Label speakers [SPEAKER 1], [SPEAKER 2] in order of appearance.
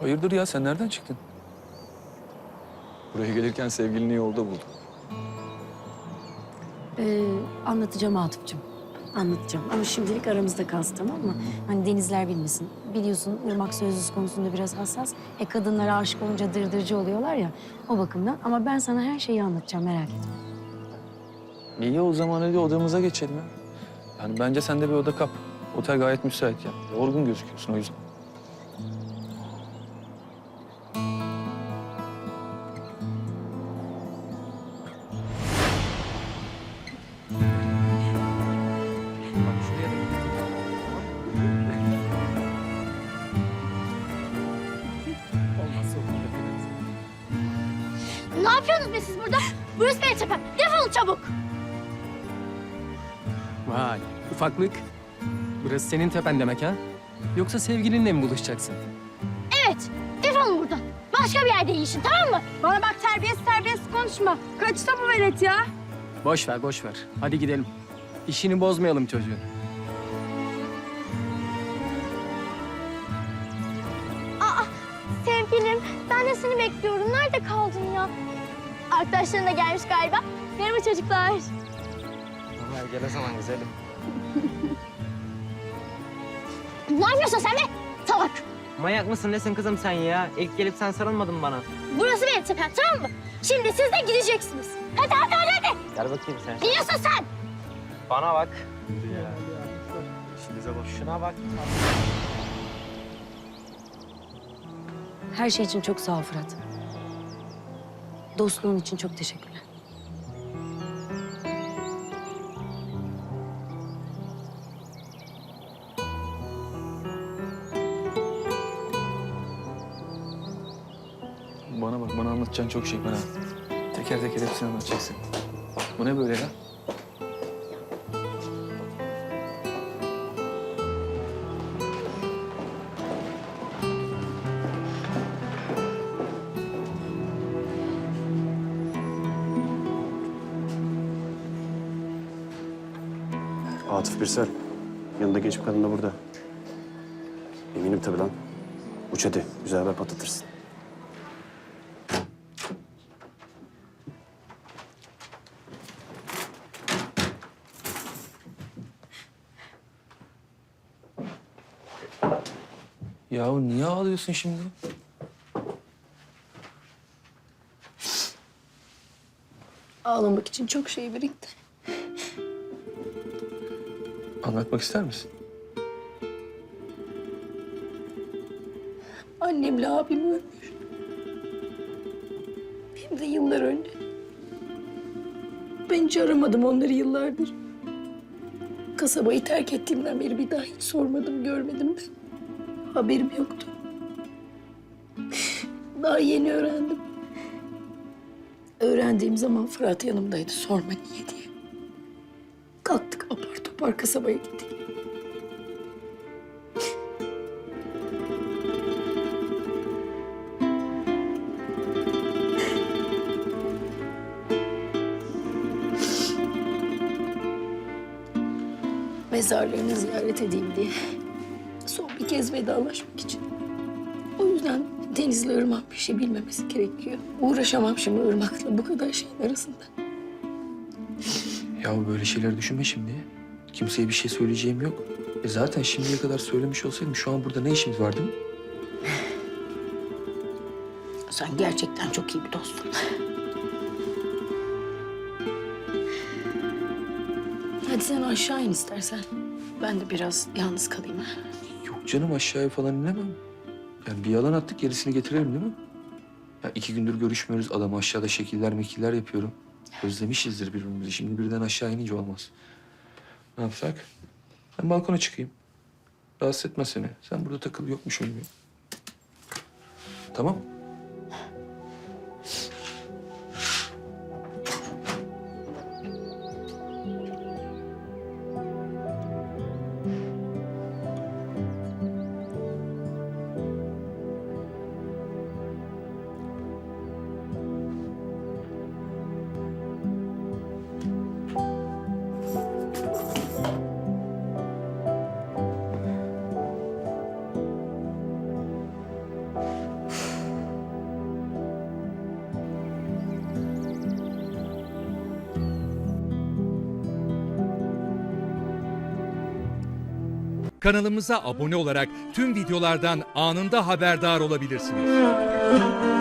[SPEAKER 1] Hayırdır ya, sen nereden çıktın?
[SPEAKER 2] Buraya gelirken sevgilini yolda buldum.
[SPEAKER 3] Anlatacağım Atıf'cığım. Anlatacağım ama şimdilik aramızda kalsın, tamam mı? Hani denizler bilmesin. Biliyorsun Irmak sözlüsü konusunda biraz hassas. Kadınlara aşık olunca dırdırcı oluyorlar ya, o bakımdan. Ama ben sana her şeyi anlatacağım, merak etme.
[SPEAKER 1] İyi, o zaman hadi odamıza geçelim ya. Yani bence sen de bir oda kap. Otel gayet müsait ya. Yorgun gözüküyorsun o yüzden.
[SPEAKER 4] Ne yapıyorsunuz be siz burada? Burası benim tepem. Defolun çabuk.
[SPEAKER 5] Vay, ufaklık. Burası senin tepen demek ha? Yoksa sevgilinle mi buluşacaksın?
[SPEAKER 4] Evet. Defolun buradan. Başka bir yerde yiyişin, tamam mı?
[SPEAKER 6] Bana bak, terbiyesiz konuşma. Kaçta bu velet ya?
[SPEAKER 5] Boş ver, boş ver. Hadi gidelim. İşini bozmayalım çocuğun.
[SPEAKER 4] Sevgilim, ben de seni bekliyorum. Nerede kaldın ya? Arkadaşların da gelmiş galiba. Merhaba çocuklar.
[SPEAKER 7] Gel o zaman güzelim.
[SPEAKER 4] Ne yapıyorsun sen be? Salak.
[SPEAKER 7] Manyak mısın nesin kızım sen ya? İlk gelip sen sarılmadın mı bana?
[SPEAKER 4] Burası benim tepem, tamam mı? Şimdi siz de gideceksiniz. Hadi hadi hadi hadi.
[SPEAKER 7] Gel bakayım sen.
[SPEAKER 4] Gidiyorsun sen.
[SPEAKER 7] Bana bak. Şuna bak.
[SPEAKER 3] Her şey için çok sağ ol Fırat. Dostluğun için çok teşekkürler.
[SPEAKER 1] Bana bak, bana anlatacağın çok şey var ha. Teker teker hepsini anlatacaksın. Bu ne böyle ya?
[SPEAKER 8] Atıf Birsel. Yanında genç bir kadın da burada. Eminim tabii lan. Uç hadi. Güzel haber patlatırsın.
[SPEAKER 1] Yahu niye ağlıyorsun şimdi?
[SPEAKER 3] Ağlamak için çok şey birikti.
[SPEAKER 1] Anlatmak ister misin?
[SPEAKER 3] Annemle abim ölmüş. Hem de yıllar önce. Ben hiç aramadım onları yıllardır. Kasabayı terk ettiğimden beri bir daha hiç sormadım, görmedim de. Haberim yoktu. Daha yeni öğrendim. Öğrendiğim zaman Fırat yanımdaydı, sorma niye diye. Kalktık apar topar kasabaya gittik. Mezarlarını ziyaret edeyim diye. Son bir kez vedalaşmak için. O yüzden Deniz'le Irmak bir şey bilmemesi gerekiyor. Uğraşamam şimdi Irmak'la bu kadar şeyin arasında.
[SPEAKER 1] Ya böyle şeyler düşünme şimdi. Kimseye bir şey söyleyeceğim yok. Zaten şimdiye kadar söylemiş olsaydım şu an burada ne işimiz vardı?
[SPEAKER 3] Sen gerçekten çok iyi bir dostsun. Hadi sen aşağı in istersen. Ben de biraz yalnız kalayım. Ha?
[SPEAKER 1] Yok canım, aşağıya falan inemem. Yani bir yalan attık, gerisini getirelim değil mi? Ya 2 gündür görüşmüyoruz. Adam aşağıda şekiller mekiller yapıyorum. Özlemişizdir birbirimizi. Şimdi birden aşağı inince olmaz. Ne yapsak? Ben balkona çıkayım. Rahatsız etme seni. Sen burada takıl, yokmuşum gibi. Tamam.
[SPEAKER 9] Kanalımıza abone olarak tüm videolardan anında haberdar olabilirsiniz.